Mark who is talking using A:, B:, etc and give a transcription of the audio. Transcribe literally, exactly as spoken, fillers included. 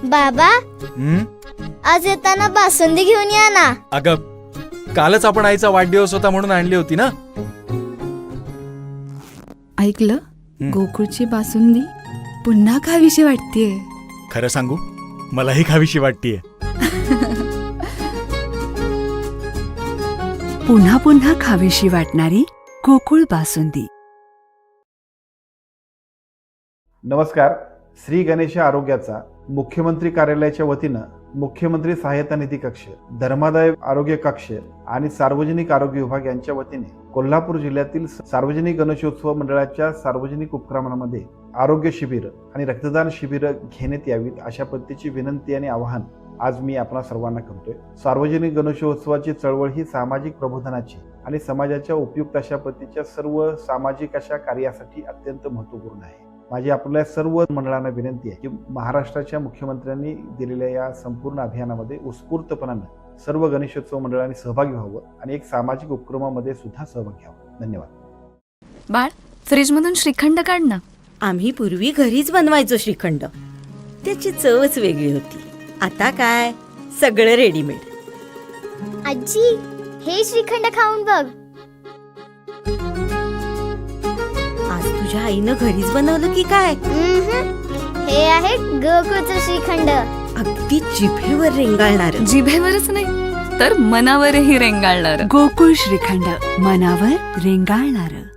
A: बाबा,
B: हं?
A: आज येताना बासुंदी घेऊन या ना.
B: अगं, कालच आपण आईचा वाढदिवस होता म्हणून आणली होती ना.
C: ऐकलं,
B: हं.
C: गोकुळची बासुंदी पुन्हा खावीशी वाटतेय.
B: खरं सांगू, मलाही खावीशी वाटतीये.
D: पुन्हा पुन्हा खावीशी वाटणारी गोकुळ बासुंदी.
E: नमस्कार. श्री गणेश आरोग्याचा मुख्यमंत्री कार्यालयाच्या वतीनं मुख्यमंत्री सहायता निधी कक्ष, धर्मादाय आरोग्य कक्ष आणि सार्वजनिक आरोग्य विभाग यांच्या वतीने कोल्हापूर जिल्ह्यातील सार्वजनिक गणेशोत्सव मंडळाच्या सार्वजनिक उपक्रमांमध्ये आरोग्य शिबिर आणि रक्तदान शिबिर घेण्यात यावीत अशा पद्धतीची विनंती आणि आवाहन आज मी आपणा सर्वांना करतोय. सार्वजनिक गणेशोत्सवाची चळवळ ही सामाजिक प्रबोधनाची आणि समाजाच्या उपयुक्त अशा पद्धतीच्या सर्व सामाजिक अशा कार्यासाठी अत्यंत महत्त्वपूर्ण आहे. माझी आपल्या सर्व मंडळांना विनंती आहे की महाराष्ट्राच्या मुख्यमंत्र्यांनी दिलेल्या या संपूर्ण अभियानामध्ये उत्स्फूर्तपणानं सर्व गणेशोत्सव मंडळांनी सहभागी व्हावं आणि एक सामाजिक उपक्रमामध्ये सुद्धा सहभाग घ्यावा. धन्यवाद.
C: बाळ, फ्रीजमधून श्रीखंड काढ ना.
F: आम्ही पूर्वी घरीच बनवायचो श्रीखंड. त्याची चवच वेगळी होती. आता काय सगळं रेडीमेड.
A: आजी, हे श्रीखंड खाऊन बघ.
F: आज तुझ्या आईनं घरीच बनवलं की काय?
A: उम्हम. हे आहे गोकुळचं श्रीखंड.
F: अगदी जिभेवर रेंगाळणार.
C: जिभेवरच नाही तर मनावरही रेंगाळणार.
D: गोकुळ श्रीखंड, मनावर रेंगाळणार.